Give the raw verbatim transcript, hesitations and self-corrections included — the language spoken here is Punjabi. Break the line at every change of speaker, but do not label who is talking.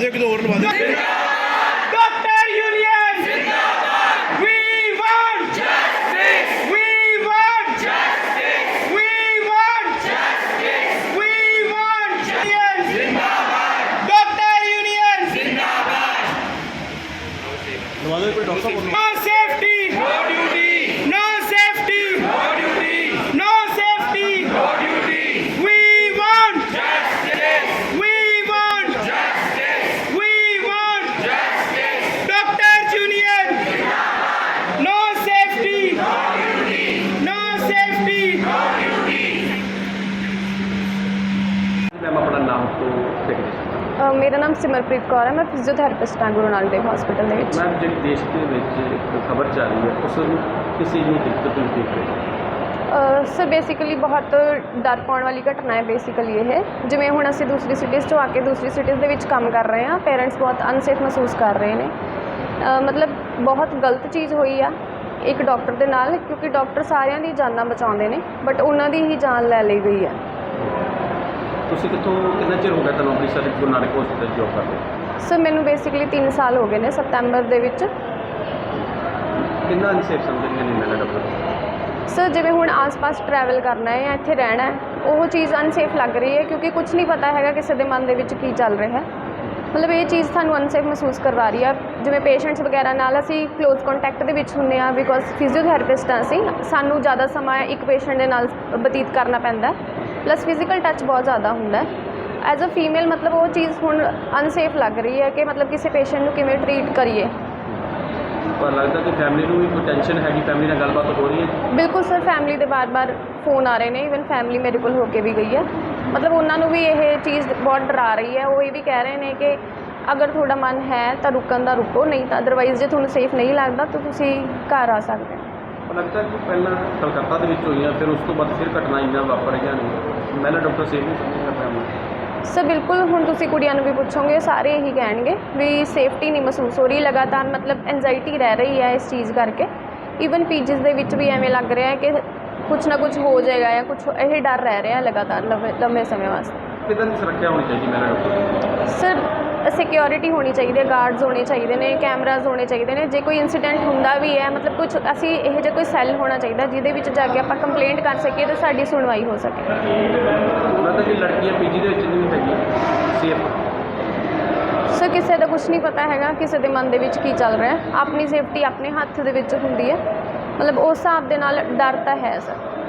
ਇੱਕ ਦੋ ਹੋਰ ਲਵਾ ਦੇ।
ਡਾਕਟਰ ਯੂਨੀਅਨ ਜਿੰਦਾਬਾਦ। We want justice. We want justice. We want justice. We want justice. जिंदाबाद। डॉक्टर यूनियन जिंदाबाद।
ਲਵਾ ਦੇ ਕੋਈ ਡਾਕਟਰ ਕੋਲ।
No safety. No duty. No safety. No duty. No safety. No duty. We want justice. We want justice. We want justice. Doctors Union. No safety. No duty. No safety. No duty.
Ma'am अपना नाम तो देख सकते
ਅ, ਮੇਰਾ ਨਾਮ ਸਿਮਰਪ੍ਰੀਤ ਕੌਰ ਹੈ। ਮੈਂ ਫਿਜ਼ੀਓਥੈਰੇਪਿਸਟ ਹਾਂ ਗੁਰੂ ਨਾਨਕ ਦੇਵ ਹਸਪੀਟਲ ਦੇ ਵਿੱਚ।
मैम जी देश के ਵਿੱਚ ਇੱਕ ਖਬਰ ਚੱਲ ਰਹੀ ਹੈ ਉਸ ਨੂੰ ਕਿਸੇ ਨੂੰ ਦਿੱਕਤ ਨਹੀਂ ਦੇਖ ਰਹੀ
ਸਰ ਬੇਸਿਕਲੀ ਬਹੁਤ ਡਰ ਪਾਉਣ ਵਾਲੀ ਘਟਨਾ ਹੈ ਬੇਸਿਕਲੀ ਇਹ। ਜਿਵੇਂ ਹੁਣ ਅਸੀਂ ਦੂਸਰੀ ਸਿਟੀਜ਼ 'ਚੋਂ ਆ ਕੇ ਦੂਸਰੀ ਸਿਟੀਜ਼ ਦੇ ਵਿੱਚ ਕੰਮ ਕਰ ਰਹੇ ਹਾਂ, ਪੇਰੈਂਟਸ ਬਹੁਤ ਅਨਸੇਫ ਮਹਿਸੂਸ ਕਰ ਰਹੇ ਨੇ। ਅ, ਮਤਲਬ ਬਹੁਤ ਗਲਤ ਚੀਜ਼ ਹੋਈ ਆ ਇੱਕ ਡਾਕਟਰ ਦੇ ਨਾਲ, ਕਿਉਂਕਿ ਡਾਕਟਰ ਸਾਰਿਆਂ ਦੀ ਜਾਨਾਂ ਬਚਾਉਂਦੇ ਨੇ ਬਟ ਉਹਨਾਂ ਦੀ ਹੀ ਜਾਨ ਲੈ ਲਈ ਗਈ ਹੈ।
ਤੁਸੀਂ ਕਿੱਥੋਂ ਕਿੰਨਾ ਚਿਰ ਹੋ ਗਿਆ ਤੁਹਾਨੂੰ ਅੰਮ੍ਰਿਤਸਰ ਦੇ ਗੁਰੂ ਨਾਨਕ ਹਸਪੀਟਲ ਜੋਬ ਕਰਦੇ?
ਸਰ ਮੈਨੂੰ ਬੇਸਿਕਲੀ ਤਿੰਨ ਸਾਲ ਹੋ ਗਏ ਨੇ ਸਤੰਬਰ ਦੇ ਵਿੱਚ।
ਕਿੰਨਾ ਅਨਸੇਫ ਸਮਝਦੇ ਨੇ ਮੈਨਾਂ ਡਾਕਟਰ?
ਸਰ ਜਿਵੇਂ ਹੁਣ ਆਸ-ਪਾਸ ਟਰੈਵਲ ਕਰਨਾ ਹੈ ਜਾਂ ਇੱਥੇ ਰਹਿਣਾ ਹੈ, ਉਹ ਚੀਜ਼ ਅਨਸੇਫ ਲੱਗ ਰਹੀ ਹੈ ਕਿਉਂਕਿ ਕੁਝ ਨਹੀਂ ਪਤਾ ਹੈਗਾ ਕਿਸੇ ਦੇ ਮਨ ਦੇ ਵਿੱਚ ਕੀ ਚੱਲ ਰਿਹਾ ਹੈ। ਮਤਲਬ ਇਹ ਚੀਜ਼ ਸਾਨੂੰ ਅਨਸੇਫ ਮਹਿਸੂਸ ਕਰਵਾ ਰਹੀ ਆ। ਜਿਵੇਂ ਪੇਸ਼ੈਂਟਸ ਵਗੈਰਾ ਨਾਲ ਅਸੀਂ ਕਲੋਜ਼ ਕੰਟੈਕਟ ਦੇ ਵਿੱਚ ਹੁੰਦੇ ਹਾਂ ਬਿਕੋਜ਼ ਫਿਜ਼ੀਓਥੈਰੇਪਿਸਟ ਹਾਂ ਅਸੀਂ, ਸਾਨੂੰ ਜ਼ਿਆਦਾ ਸਮਾਂ ਇੱਕ ਪੇਸ਼ੈਂਟ ਦੇ ਨਾਲ ਬਤੀਤ ਕਰਨਾ ਪੈਂਦਾ, ਪਲੱਸ ਫਿਜ਼ੀਕਲ ਟੱਚ ਬਹੁਤ ਜ਼ਿਆਦਾ ਹੁੰਦਾ। ਐਜ਼ ਅ ਫੀਮੇਲ ਮਤਲਬ ਉਹ ਚੀਜ਼ ਹੁਣ ਅਨਸੇਫ ਲੱਗ ਰਹੀ ਹੈ ਕਿ ਮਤਲਬ ਕਿਸੇ ਪੇਸ਼ੈਂਟ ਨੂੰ ਕਿਵੇਂ ਟਰੀਟ ਕਰੀਏ।
ਪਰ ਲੱਗਦਾ ਕਿ ਫੈਮਿਲੀ ਨੂੰ ਵੀ ਕੋਈ ਟੈਨਸ਼ਨ ਹੈਗੀ, ਫੈਮਿਲੀ ਨਾਲ ਗੱਲਬਾਤ ਹੋ ਰਹੀ ਹੈ?
ਬਿਲਕੁਲ ਸਰ, ਫੈਮਿਲੀ ਦੇ ਬਾਰ-ਬਾਰ ਫੋਨ ਆ ਰਹੇ ਨੇ, ਈਵਨ ਫੈਮਿਲੀ ਮੇਰੇ ਕੋਲ ਹੋ ਕੇ ਵੀ ਗਈ ਹੈ। ਮਤਲਬ ਉਹਨਾਂ ਨੂੰ ਵੀ ਇਹ ਚੀਜ਼ ਬਹੁਤ ਡਰਾ ਰਹੀ ਹੈ। ਉਹ ਇਹ ਵੀ ਕਹਿ ਰਹੇ ਨੇ ਕਿ ਅਗਰ ਤੁਹਾਡਾ ਮਨ ਹੈ ਤਾਂ ਰੁਕਣ ਦਾ ਰੁਕੋ, ਨਹੀਂ ਤਾਂ ਅਦਰਵਾਈਜ਼ ਜੇ ਤੁਹਾਨੂੰ ਸੇਫ ਨਹੀਂ ਲੱਗਦਾ ਤਾਂ ਤੁਸੀਂ ਘਰ ਆ ਸਕਦੇ ਹੋ।
ਪਰ ਲੱਗਦਾ ਕਿ ਪਹਿਲਾਂ ਕਲਕੱਤਾ ਦੇ ਵਿੱਚ ਹੋਈਆਂ, ਫਿਰ ਉਸ ਤੋਂ ਬਾਅਦ ਫਿਰ ਘਟਨਾਵਾਂ ਵਾਪਰ ਰਹੀਆਂ ਨੇ, ਮੈਨਾਂ ਡਾਕਟਰ ਸੇਫ ਨਹੀਂ ਸਮਝਦਾ ਫੈਮਿਲੀ?
ਸਰ ਬਿਲਕੁਲ, ਹੁਣ ਤੁਸੀਂ ਕੁੜੀਆਂ ਨੂੰ ਵੀ ਪੁੱਛੋਗੇ ਸਾਰੇ ਇਹੀ ਕਹਿਣਗੇ ਵੀ ਸੇਫਟੀ ਨਹੀਂ ਮਹਿਸੂਸ ਹੋ ਰਹੀ, ਲਗਾਤਾਰ ਮਤਲਬ ਐਂਜ਼ਾਈਟੀ ਰਹਿ ਰਹੀ ਹੈ ਇਸ ਚੀਜ਼ ਕਰਕੇ। ਈਵਨ ਪੀਜੀਸ ਦੇ ਵਿੱਚ ਵੀ ਐਵੇਂ ਲੱਗ ਰਿਹਾ ਹੈ ਕਿ ਕੁਛ ਨਾ ਕੁਛ ਹੋ ਜਾਏਗਾ ਜਾਂ ਕੁਛ ਇਹ ਡਰ ਰਹਿ ਰਿਹਾ ਲਗਾਤਾਰ ਲੰਬੇ ਲੰਬੇ ਸਮੇਂ ਵਾਸਤੇ।
ਕਿੱਦਾਂ ਦੀ ਸੁਰੱਖਿਆ ਹੋਣੀ ਚਾਹੀਦੀ ਮੈਨਾਂ ਡਾਕਟਰ?
ਸਰ ਸਿਕਿਉਰਿਟੀ ਹੋਣੀ ਚਾਹੀਦੀ ਹੈ, ਗਾਰਡਸ ਹੋਣੇ ਚਾਹੀਦੇ ਨੇ, ਕੈਮਰਾਜ਼ ਹੋਣੇ ਚਾਹੀਦੇ ਨੇ। ਜੇ ਕੋਈ ਇਨਸੀਡੈਂਟ ਹੁੰਦਾ ਵੀ ਹੈ ਮਤਲਬ ਕੁਛ ਅਸੀਂ ਇਹੋ ਜਿਹਾ ਕੋਈ ਸੈੱਲ ਹੋਣਾ ਚਾਹੀਦਾ ਜਿਹਦੇ ਵਿੱਚ ਜਾ ਕੇ ਆਪਾਂ ਕੰਪਲੇਂਟ ਕਰ ਸਕੀਏ ਅਤੇ ਸਾਡੀ ਸੁਣਵਾਈ ਹੋ ਸਕੇ।
ਉਹਨਾਂ ਤਾਂ ਕਿ ਲੜਕੀਆਂ ਪੀਜੀ ਦੇ ਵਿੱਚ ਨਹੀਂ ਹੈਗੀਆਂ ਸੇਫ?
ਸਰ ਕਿਸੇ ਦਾ ਕੁਛ ਨਹੀਂ ਪਤਾ ਹੈਗਾ ਕਿਸੇ ਦੇ ਮਨ ਦੇ ਵਿੱਚ ਕੀ ਚੱਲ ਰਿਹਾ। ਆਪਣੀ ਸੇਫਟੀ ਆਪਣੇ ਹੱਥ ਦੇ ਵਿੱਚ ਹੁੰਦੀ ਹੈ। ਮਤਲਬ ਉਸ ਹਿਸਾਬ ਦੇ ਨਾਲ ਡਰ ਤਾਂ ਹੈ ਸਰ।